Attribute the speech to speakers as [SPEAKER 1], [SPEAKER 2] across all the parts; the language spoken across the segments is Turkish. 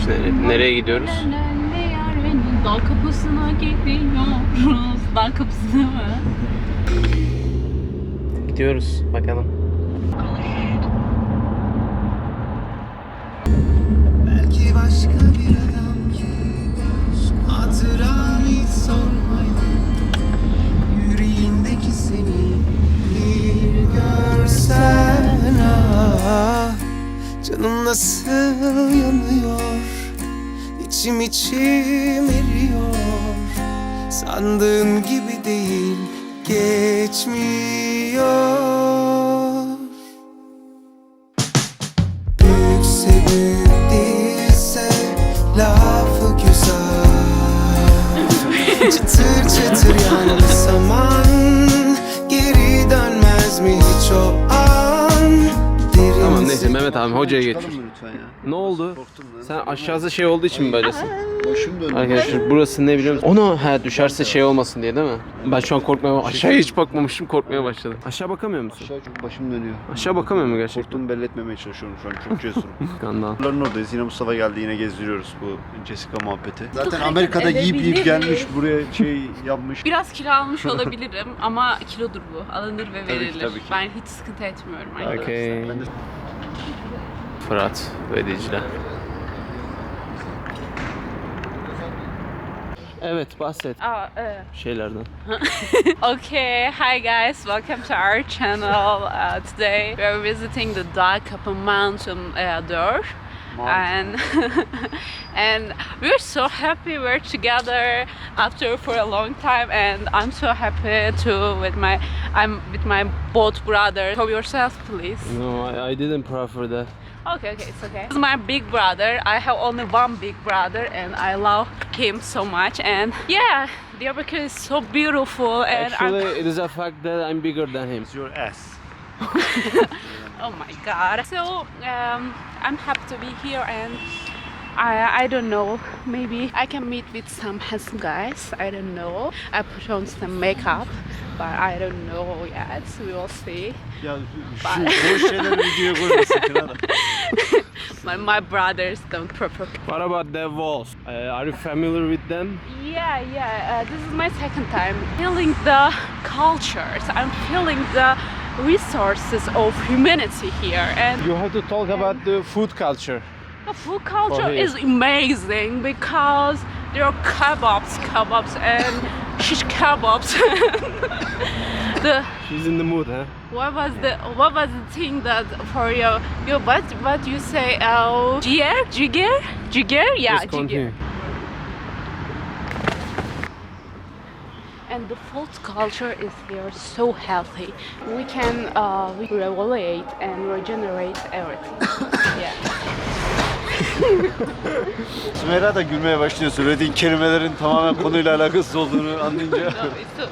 [SPEAKER 1] Biz nereye gidiyoruz?
[SPEAKER 2] Dal kapısına gidiyoruz. Dal kapısına mı?
[SPEAKER 1] Gidiyoruz bakalım.
[SPEAKER 3] Belki başka bir adam gibi hatıran hiç sormayın. Yüreğindeki seni bir görsen ah, canım nasıl yanıyor, içim eriyor. Sandığım gibi değil, geçmiyor. Büyükse büyük değilse lafı güzel. Çıtır çıtır yandı saman, geri dönmez mi hiç o an?
[SPEAKER 1] Tamam neyse Mehmet abi hocaya getir.
[SPEAKER 4] Çıkalım mı lütfen ya?
[SPEAKER 1] Ne oldu?
[SPEAKER 4] Korktum lan.
[SPEAKER 1] Sen aşağısı şey olduğu için mi böylesin?
[SPEAKER 4] Başım döndü.
[SPEAKER 1] Arkadaşlar burası ne biliyor musun? Onu düşerse şey olmasın diye değil mi? Ben şu an korkmaya aşağıya hiç bakmamışım, korkmaya başladım. Aşağı bakamıyor musun?
[SPEAKER 4] Aşağı çok başım dönüyor.
[SPEAKER 1] Aşağı bakamıyor mu gerçekten?
[SPEAKER 4] Korktuğumu belli etmemeye çalışıyorum şu an. Çok cesurum.
[SPEAKER 1] Skandal.
[SPEAKER 4] Bunların oradayız. Yine Mustafa geldi. Yine gezdiriyoruz bu Jessica muhabbeti. Zaten
[SPEAKER 2] hareket
[SPEAKER 4] Amerika'da yiyip
[SPEAKER 2] edebilir
[SPEAKER 4] gelmiş.
[SPEAKER 2] miyiz?
[SPEAKER 4] Buraya şey yapmış.
[SPEAKER 2] Biraz kilo almış olabilirim ama kilodur bu. Alınır ve
[SPEAKER 4] Tabii ki,
[SPEAKER 2] verilir.
[SPEAKER 4] tabii ki.
[SPEAKER 2] Ben hiç sıkıntı etmiyorum arkadaşlar.
[SPEAKER 1] Okey.
[SPEAKER 4] Ben de
[SPEAKER 1] Fırat ve Dicle. Evet bahset şeylerden.
[SPEAKER 2] Okay, hi guys, welcome to our channel. Today we are visiting the Dağ Mountain there. And and we're so happy we're together after for a long time, and I'm so happy to I'm with my both brothers. Show yourself, please.
[SPEAKER 1] No, I didn't prefer that.
[SPEAKER 2] Okay, it's okay. This is my big brother. I have only one big brother, and I love him so much. And yeah, Diyarbakır is so beautiful. And
[SPEAKER 1] Actually, it is a fact that I'm bigger than him.
[SPEAKER 4] It's your ass.
[SPEAKER 2] oh my God! So I'm happy to be here, and I don't know. Maybe I can meet with some handsome guys. I don't know. I put on some makeup, but I don't know yet. We will see.
[SPEAKER 4] Ya şu boş şeyleri videoya koyma sakın ha.
[SPEAKER 2] My brothers don't prefer.
[SPEAKER 1] What about the walls? Are you familiar with them?
[SPEAKER 2] Yeah. This is my second time feeling the cultures. I'm feeling the resources of humanity here, and
[SPEAKER 1] You have to talk about the food culture.
[SPEAKER 2] the food culture
[SPEAKER 1] here.
[SPEAKER 2] is amazing because there are kebabs and shish kebabs.
[SPEAKER 1] She's in the mood, huh?
[SPEAKER 2] What was the thing that for you what you say? Jiger? Yeah,
[SPEAKER 1] Just continue.
[SPEAKER 2] jiger. And the food culture is here so healthy. We can revolate and regenerate everything. Yeah.
[SPEAKER 4] Sümeyra da gülmeye başlıyor. Söylediğin kelimelerin tamamen konuyla alakasız olduğunu anlayınca.
[SPEAKER 2] No, it's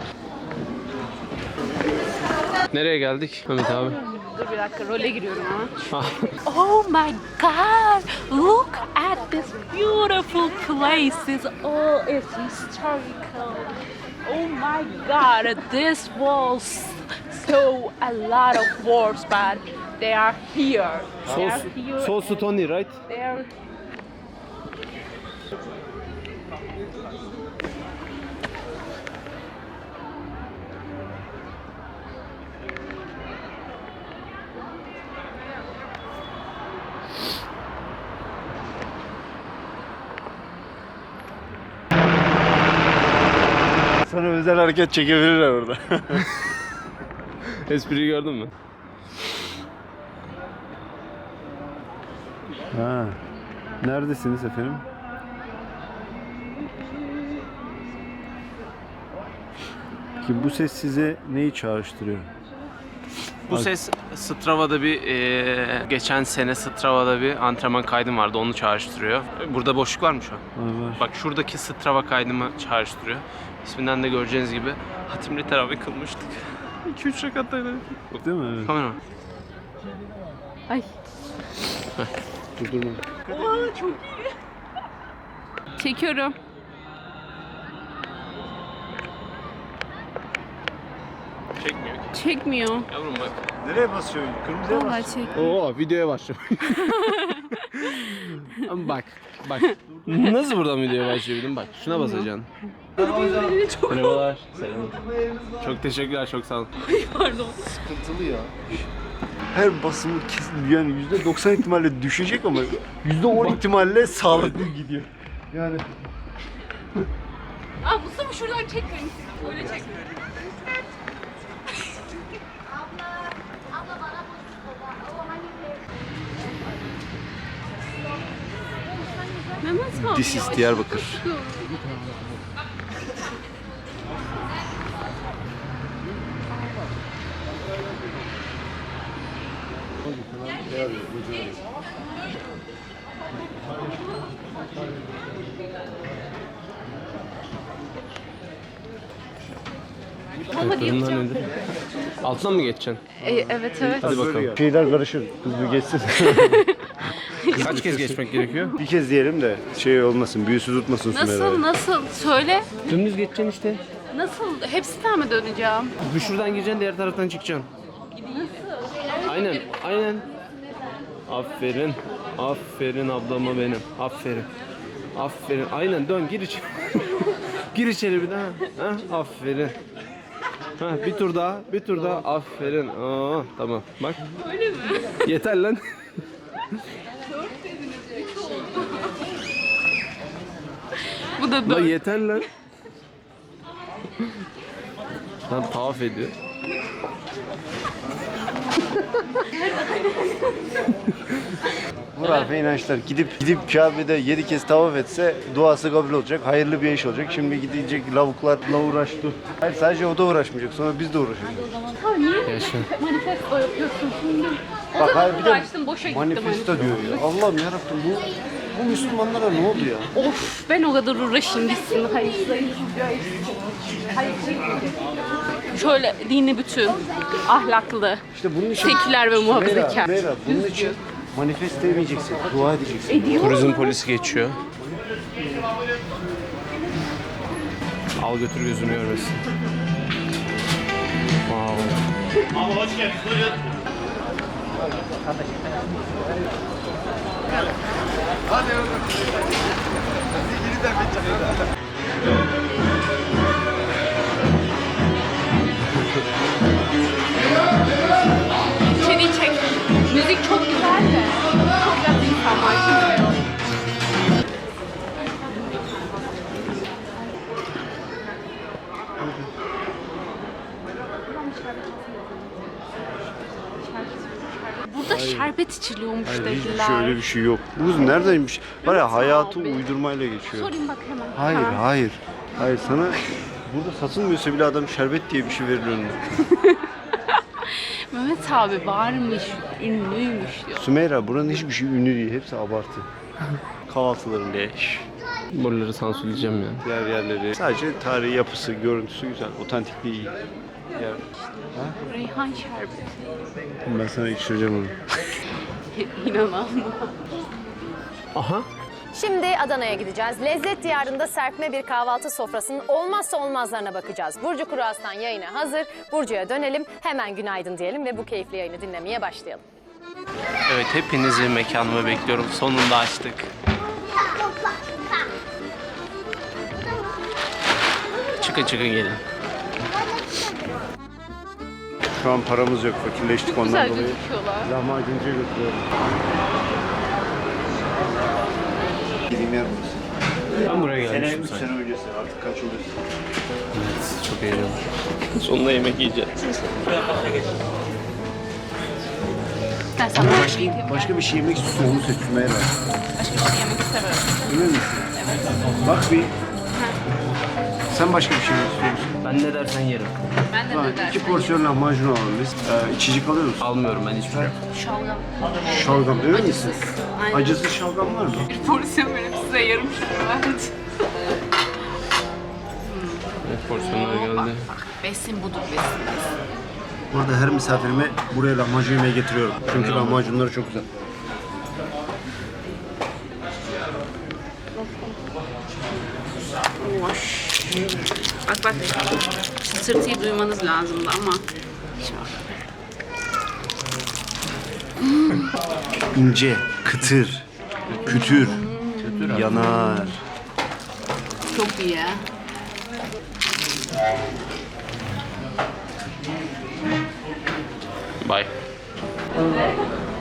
[SPEAKER 1] Nereye geldik Mehmet abi?
[SPEAKER 2] Dur bir dakika, role giriyorum ama. Oh my God! Look at this beautiful places. Oh, it's historical. Oh my God! This was so a lot of wars, but they are here. They are here.
[SPEAKER 1] So Tony, right?
[SPEAKER 2] They are.
[SPEAKER 4] Sana özel hareket çekebilirler orada.
[SPEAKER 1] Espriyi gördün mü?
[SPEAKER 4] Ha. Neredesiniz efendim? Ki bu ses size neyi çağrıştırıyor?
[SPEAKER 1] Bu ses Strava'da bir geçen sene Strava'da bir antrenman kaydım vardı, onu çağrıştırıyor. Burada boşluk var mı şu an?
[SPEAKER 4] Var.
[SPEAKER 1] Bak şuradaki Strava kaydımı çağrıştırıyor. İsminden de göreceğiniz gibi hatimli teravih kılmıştık. 2-3 rekattaydı.
[SPEAKER 4] Değil mi? Evet.
[SPEAKER 1] Kamera.
[SPEAKER 2] Ay.
[SPEAKER 1] Durdurma.
[SPEAKER 2] Oo, çok iyi. Çekiyorum.
[SPEAKER 1] Çekmiyor ki.
[SPEAKER 2] çekmiyor.
[SPEAKER 1] Yavrum bak.
[SPEAKER 4] Nereye basıyorsun? Kırmızıya bas.
[SPEAKER 2] Vallahi çek.
[SPEAKER 1] Oo videoya başlıyor. Ama bak. Nasıl buradan videoya başlayabilirim? Bak şuna basacaksın. Merhabalar. Selam. Çok teşekkürler, çok sağ olun.
[SPEAKER 2] Pardon.
[SPEAKER 4] Sıkıntılı ya. Her basımı kesin yani %90 ihtimalle düşecek ama %10 ihtimalle sağlıklı gidiyor. Yani
[SPEAKER 2] Aa Mustafa şuradan çekmeyin. Böyle çek. Mehmet abi.
[SPEAKER 4] This is Diyarbakır.
[SPEAKER 2] Baba diye
[SPEAKER 1] Bunlar nedir? Altından mı geçeceksin?
[SPEAKER 2] evet evet.
[SPEAKER 1] Hadi bakalım.
[SPEAKER 4] Şeyler karışır. Kız bir geçsin.
[SPEAKER 1] Kaç kez geçmek gerekiyor?
[SPEAKER 4] Bir kez diyelim de şey olmasın, büyüsü tutmasın Sümera'yı.
[SPEAKER 2] Nasıl? Söyle.
[SPEAKER 1] Dümdüz geçeceksin işte.
[SPEAKER 2] Nasıl? Hepsinden mi döneceğim?
[SPEAKER 1] Bu şuradan gireceksin, diğer taraftan çıkacaksın. Aynen. Aferin. Aferin ablama benim. Aferin. Aynen dön gir içeri. Gir içeri bir daha. Ha, aferin. Ha, bir tur daha. Aferin. Aa, tamam. Bak.
[SPEAKER 2] Öyle mi?
[SPEAKER 1] Yeter lan.
[SPEAKER 2] Bu da
[SPEAKER 1] Lan
[SPEAKER 2] dön.
[SPEAKER 1] yeter lan. Lan tavaf ediyor.
[SPEAKER 4] Hurafe inançlar. Gidip Kabe'de 7 kez tavaf etse duası kabul olacak. Hayırlı bir iş olacak. Şimdi gidecek lavuklarla uğraştı. Hayır sadece o da uğraşmayacak. Sonra biz de uğraşacağız.
[SPEAKER 1] Yaşa.
[SPEAKER 2] Manifesto yapıyorsun şimdi. O
[SPEAKER 4] Bak,
[SPEAKER 2] zaman
[SPEAKER 4] hayır, bir de
[SPEAKER 2] uğraştım, boşa gitti
[SPEAKER 4] manifesto diyor ya. Allah'ım yarabbim bu Müslümanlara ne oldu ya?
[SPEAKER 2] Of ben o kadar uğraşayım gitsin. Hayır. Şöyle dini bütün, ahlaklı,
[SPEAKER 4] İşte bunun için
[SPEAKER 2] seküler ve muhafazakar.
[SPEAKER 4] Meyra, bunun için manifesto demeyeceksin. Dua edeceksin.
[SPEAKER 2] Ediyor.
[SPEAKER 1] Turizm polisi geçiyor. Al götür gözünü görmesin. Wow.
[SPEAKER 2] İçeriği çek. Müzik çok güzel de. Çok güzel insanlar. Burada şerbet içiliyormuş
[SPEAKER 4] Hiç
[SPEAKER 2] dediler.
[SPEAKER 4] şöyle bir şey yok. Bu neredeymiş? Var ya hayatı
[SPEAKER 2] abi.
[SPEAKER 4] uydurmayla geçiyor.
[SPEAKER 2] Sorayım bak hemen.
[SPEAKER 4] Hayır,
[SPEAKER 2] Ha.
[SPEAKER 4] hayır. Hayır sana burada satılmıyorsa bile adam şerbet diye bir şey verir önüne.
[SPEAKER 2] Mehmet abi varmış, ünlüymüş diyor.
[SPEAKER 4] Sümeyra buranın hiçbir şey ünlü değil. Hepsi abartı. Kahvaltıların leş.
[SPEAKER 1] Buraları sansürleyeceğim ya.
[SPEAKER 4] Diğer yerleri. Sadece tarihi yapısı, görüntüsü güzel. Otantikliği iyi. Ya,
[SPEAKER 2] Reyhan şerbeti.
[SPEAKER 4] ben sana içireceğim onu.
[SPEAKER 2] İnanamam.
[SPEAKER 1] Aha.
[SPEAKER 5] Şimdi Adana'ya gideceğiz. Lezzet diyarında serpme bir kahvaltı sofrasının olmazsa olmazlarına bakacağız. Burcu Kuru Aslan yayına hazır. Burcu'ya dönelim, hemen günaydın diyelim ve bu keyifli yayını dinlemeye başlayalım.
[SPEAKER 1] Evet hepinizi mekanıma bekliyorum. Sonunda açtık. Çıkın gelin.
[SPEAKER 4] Şu an paramız yok. Fakirleştik ondan
[SPEAKER 2] Güzel
[SPEAKER 4] dolayı.
[SPEAKER 2] gözüküyorlar.
[SPEAKER 4] Lahmacuncuya götürüyorum. Gideyim yer burası.
[SPEAKER 1] Ben buraya
[SPEAKER 4] Sene
[SPEAKER 1] gelmişim
[SPEAKER 4] 3
[SPEAKER 1] sanki.
[SPEAKER 4] sene öncesi. Artık kaç oluyor?
[SPEAKER 1] Evet, çok heyecanlı. Sonunda yemek yiyeceğiz.
[SPEAKER 2] Ben sana her şeyi diyeyim.
[SPEAKER 4] Başka bir şey yemek istiyorum. Onu seç Sümeyra.
[SPEAKER 2] Başka bir şey yemek istemem.
[SPEAKER 4] Emin misin? Evet. Bak bir. Sen başka bir şey yemek istiyor musun?
[SPEAKER 1] Ben ne dersen yerim.
[SPEAKER 2] Ben de
[SPEAKER 4] Tamam,
[SPEAKER 2] ne dersen.
[SPEAKER 4] 2 porsiyon lahmacun alalım biz. İçecek alıyor musun?
[SPEAKER 1] Almıyorum ben hiçbir şey.
[SPEAKER 2] Şalgam.
[SPEAKER 4] Şalgam öyle misin?
[SPEAKER 2] Acısız. Aynen.
[SPEAKER 4] Acısız şalgam var mı?
[SPEAKER 2] Bir porsiyon verip size yarım şerbet.
[SPEAKER 1] Evet, porsiyonlar geldi.
[SPEAKER 2] Besin budur besin.
[SPEAKER 4] Burada her misafirime buraya lahmacun yemeği getiriyorum. Çünkü lahmacunları çok güzel.
[SPEAKER 2] Bak. Çıtırtıyı duymanız lazımdı ama.
[SPEAKER 4] İnce, kıtır, kütür, yanar.
[SPEAKER 2] Çok iyi.
[SPEAKER 1] Bye.